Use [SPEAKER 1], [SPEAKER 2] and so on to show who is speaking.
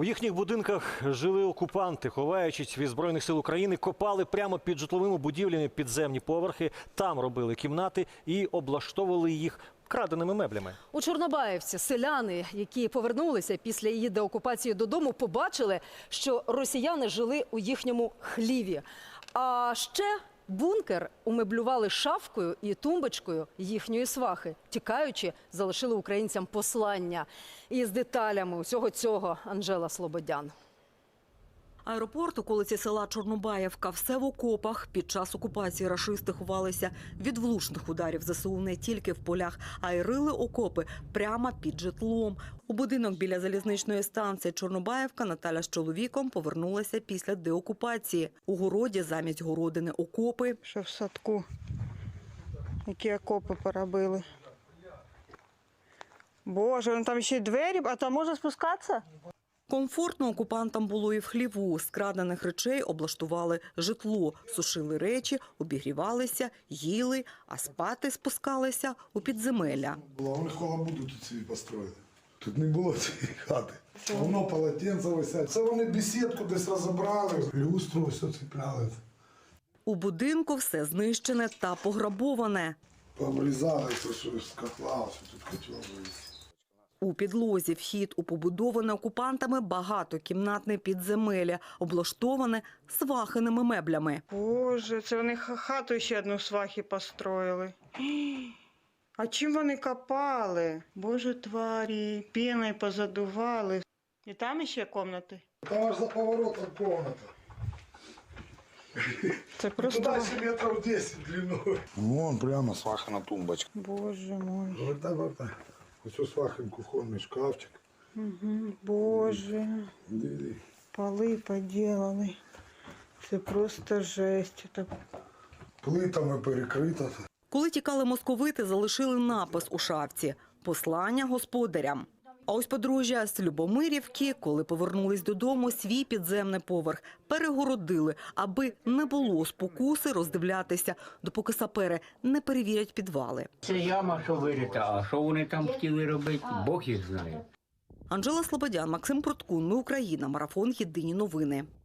[SPEAKER 1] У їхніх будинках жили окупанти, ховаючись від Збройних сил України, копали прямо під житловими будівлями підземні поверхи, там робили кімнати і облаштовували їх краденими меблями.
[SPEAKER 2] У Чорнобаївці селяни, які повернулися після її деокупації додому, побачили, що росіяни жили у їхньому хліві. А ще бункер умеблювали шафкою і тумбочкою їхньої свахи. Тікаючи, залишили українцям послання. І з деталями усього цього Анжела Слободян.
[SPEAKER 3] Аеропорт, околиці села Чорнобаївка, все в окопах. Під час окупації рашисти ховалися від влучних ударів ЗСУ не тільки в полях, а й рили окопи прямо під житлом. У будинок біля залізничної станції Чорнобаївка Наталя з чоловіком повернулася після деокупації. У городі замість городини окопи.
[SPEAKER 4] Що в садку, які окопи поробили. Боже, вон там ще й двері, а там можна спускатися?
[SPEAKER 3] Комфортно окупантам було і в хліву. З крадених речей облаштували житло, сушили речі, обігрівалися, їли, а спати спускалися у підземелля.
[SPEAKER 5] Вони халабуду тут собі построїли. Тут не було цієї хати. Воно полотенце висять. Це вони бесідку десь розібрали, люстру все цепляли.
[SPEAKER 3] У будинку все знищене та пограбоване.
[SPEAKER 5] Пообрізали це, що з котла, що тут котел вивіз.
[SPEAKER 3] У підлозі вхід у побудоване окупантами багатокімнатне підземелля, облаштоване свахиними меблями.
[SPEAKER 4] Боже, це вони хату ще одну свахи построїли. А чим вони копали? Боже, тварі, піною позадували. І там ще кімнати?
[SPEAKER 5] Там аж за поворотом комната.
[SPEAKER 4] Це просто...
[SPEAKER 5] Туда ще метрів 10 длиною. Вон прямо свахана тумбочка.
[SPEAKER 4] Боже мой.
[SPEAKER 5] Вертай. Ось свахин кухонний шкафчик.
[SPEAKER 4] Боже.
[SPEAKER 5] Диви.
[SPEAKER 4] Поли поділали. Це просто жесть.
[SPEAKER 5] Плитами перекрита.
[SPEAKER 3] Коли тікали московити, залишили напис у шафці «Послання господарям». А ось подружжя з Любомирівки, коли повернулись додому, свій підземний поверх перегородили, аби не було спокуси роздивлятися, допоки сапери не перевірять підвали.
[SPEAKER 6] Це яма, що вирита, а що вони там хотіли робити, Бог їх знає.
[SPEAKER 3] Анжела Слободян, Максим Проткун, Ми Україна, марафон «Єдині новини».